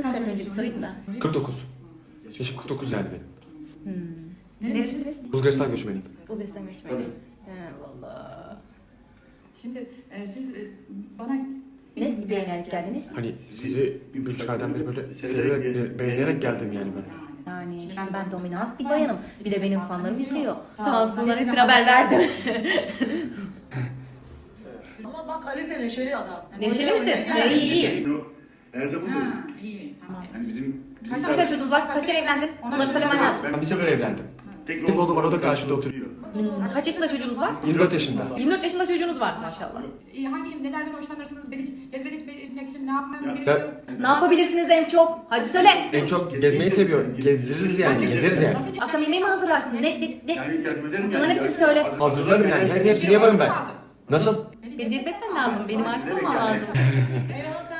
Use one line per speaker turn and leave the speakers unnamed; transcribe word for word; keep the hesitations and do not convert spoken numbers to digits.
Yaşınız kaç önce bir sorayım da.
kırk dokuz. Yaşım kırk dokuz yani benim.
Hmm. Neresiniz?
Bulgaristan göçmeniyim.
Bulgaristan göçmeni. Allah Allah.
Şimdi e, siz e, bana
Ne beğenerek geldiniz?
Hani sizi bir buçuk aydan beri böyle severek, beğenerek geldim yani ben.
Yani şimdi ben dominant bir bayanım. Bir de benim fanlarım izliyor. Sağ olsunlar, hepsine haber verdim.
Ama bak Ali de neşeli adam.
Neşeli misin? Ya, iyi iyi.
Her zaman
Ha,
böyle.
iyi, tamam.
Yani bizim... bizim
Kaç
Kaç tane çocuğunuz var? Kaç kere evlendin? Onları söylemen lazım.
Ben bir sefer evlendim.
Tek
Bir oğlum var, o da karşıda oturuyor.
Hmm, Kaç yaşında çocuğunuz var?
yirmi dört yaşında.
yirmi dört yaşında çocuğunuz var maşallah.
İyi, hangi nelerden hoşlanırsınız? Beni cezbetmek için ne yapmanız
Ben-
gerekiyor?
Ne yapabilirsiniz en çok? Hadi söyle.
En çok gezmeyi seviyor. Gezdiririz yani, gezeriz yani.
Nasıl-
Akşam yemeği mi hazırlarsın? Ne, ne, ne?
Yani yardım ederim
Bana
yani.
hepsini söyle.
Hazırlarım yani, her hepsini yaparım ben. Nasıl?
Beni cezbetmen lazım. Benim aşık olmam lazım.
Eyvallah